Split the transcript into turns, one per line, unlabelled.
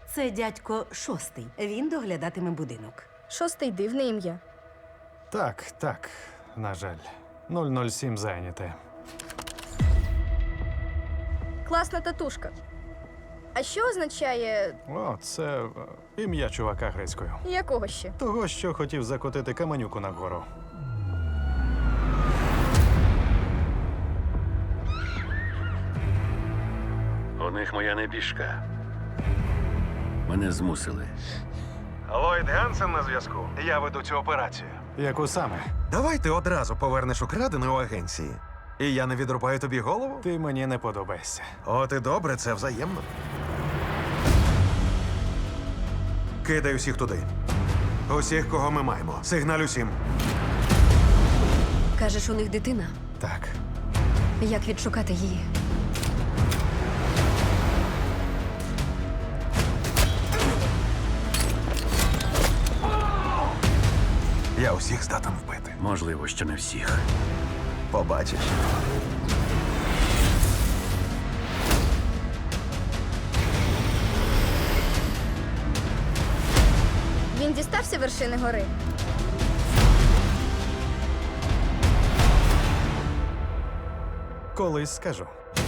Це дядько Шостий. Він доглядатиме будинок.
Шостий дивне ім'я.
Так, на жаль. 007 зайняте.
Класна татушка. А що означає
О, це ім'я чувака грецькою.
якого ще?
Того, що хотів закотити каменюку нагору.
У них моя небіжка. Мене змусили.
Ллойд Гансен на зв'язку. Я веду цю операцію.
Яку саме?
Давай ти одразу повернеш украдене у агенції. І я не відрубаю тобі голову?
Ти мені не подобаєшся.
От і добре, це взаємно. Кидай усіх туди. Усіх, кого ми маємо. Сигналь усім.
Кажеш, у них дитина?
Так.
Як відшукати її?
Я усіх здатен вбити.
Можливо, що не всіх.
Побачиш.
Він дістався вершини гори.
Колись скажу.